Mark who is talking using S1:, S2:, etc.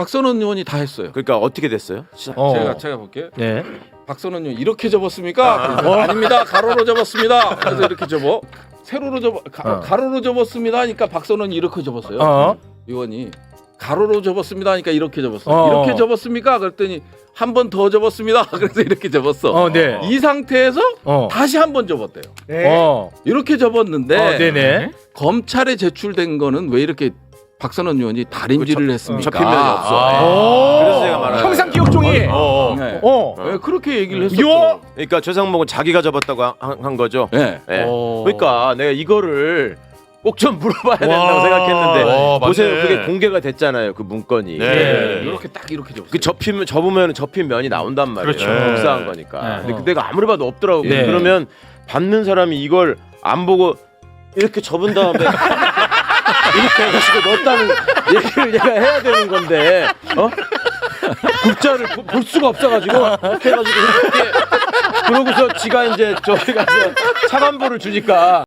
S1: 박선원 의원이 다 했어요.
S2: 그러니까 어떻게 됐어요?
S1: 제가 볼게요.
S3: 네.
S1: 박선원 의원 이렇게 접었습니까? 아닙니다. 가로로 접었습니다. 그래서 이렇게 접어. 세로로 접어 가로로 접었습니다 하니까 박선원이 이렇게 접었어요. 의원이 가로로 접었습니다 하니까 이렇게 접었어요. 이렇게 접었습니까? 그랬더니 한 번 더 접었습니다. 그래서 이렇게 접었어.
S3: 네.
S1: 이 상태에서 다시 한 번 접었대요. 이렇게 접었는데
S3: 네네.
S1: 검찰에 제출된 거는 왜 이렇게 박선원 의원이 달인질을 했습니까?
S2: 접힌 면이 없어. 그래서 제가 말하는
S3: 형상 기억종이.
S1: 네. 왜 그렇게 얘기를 했었죠?
S3: 요.
S2: 그러니까 최상목은 자기가 접었다고 한 거죠.
S1: 네.
S2: 네. 그러니까 내가 이거를 꼭 좀 물어봐야 된다고 생각했는데 보세요. 그게 공개가 됐잖아요. 그 문건이.
S1: 네. 이렇게 딱 이렇게 접었어요.
S2: 그 접으면 접힌 면이 나온단 말이에요.
S3: 그렇죠.
S2: 복사한 거니까.
S3: 네.
S2: 근데 내가 아무리 봐도 없더라고.
S3: 네.
S2: 그러면 받는 사람이 이걸 안 보고 이렇게 접은 다음에 이렇게 해가지고 넣었다는 얘기를 얘가 해야 되는 건데 국자를 볼 수가 없어가지고 이렇게 해가지고 이렇게 그러고서 지가 이제 저기 가서 차관보를 주니까